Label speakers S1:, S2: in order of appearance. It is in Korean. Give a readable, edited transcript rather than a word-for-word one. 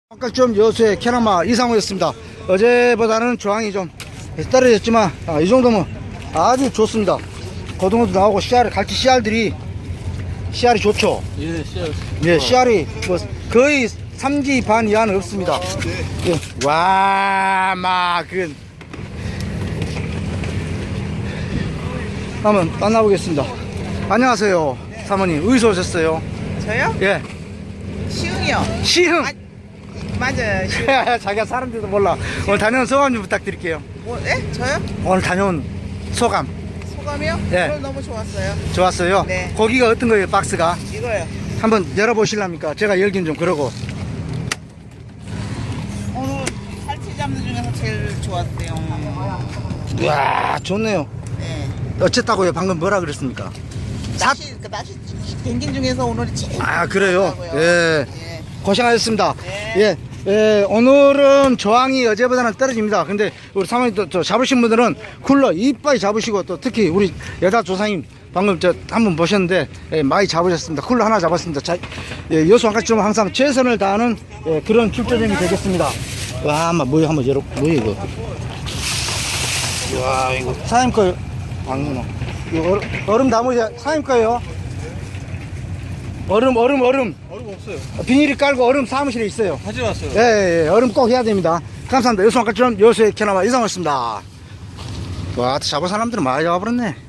S1: 아까 좀 여수의 캐나마 이상호였습니다. 어제보다는 조항이 좀 떨어졌지만 이 정도면 아주 좋습니다. 고등어도 나오고 씨알, 갈치 씨알이 좋죠.
S2: 예, 씨알.
S1: 예, 씨알이 뭐 거의 3기 반 이하는 없습니다.
S2: 네.
S1: 예. 와, 한번 만나보겠습니다. 안녕하세요, 사모님. 어디서 오셨어요?
S3: 저요?
S1: 예,
S3: 시흥이요.
S1: 시흥.
S3: 맞아요. 시흥.
S1: 자기가 사람들도 몰라. 오늘 다녀온 소감 좀 부탁드릴게요.
S3: 뭐, 예? 저요?
S1: 오늘 다녀온 소감.
S3: 소감이요?
S1: 예.
S3: 오늘 너무 좋았어요.
S1: 좋았어요?
S3: 네.
S1: 고기가 어떤 거예요, 박스가?
S3: 이거요.
S1: 한번 열어보실랍니까? 제가 열긴 좀 그러고.
S3: 오늘 살치 잡는 중에서 제일 좋았어요.
S1: 이야, 좋네요.
S3: 네.
S1: 어쨌다고요? 방금 뭐라 그랬습니까?
S3: 낚시 댕긴 중에서 오늘이 제일
S1: 그래요?
S3: 좋았다고요.
S1: 예.
S3: 예.
S1: 고생하셨습니다.
S3: 네.
S1: 예, 오늘은 저항이 어제보다는 떨어집니다. 근데 우리 사모님 또 잡으신 분들은 쿨러 이빨이 잡으시고 또 특히 우리 여자 조상님 방금 한번 보셨는데 많이 잡으셨습니다. 쿨러 하나 잡았습니다. 여수 한가지만 항상 최선을 다하는 그런 출조점이 되겠습니다. 와, 뭐야, 한번 열어. 뭐야 이거? 와, 이거 사장님 거요. 방문어. 이거 얼음 나무지 사장님 거예요. 얼음
S2: 얼음 없어요.
S1: 비닐이 깔고 얼음 사무실에 있어요.
S2: 가져왔어요.
S1: 예, 얼음 꼭 해야 됩니다. 감사합니다. 여수 한가지점 여수의 캐나마 이상호였습니다. 와, 잡은 사람들은 많이 잡아버렸네.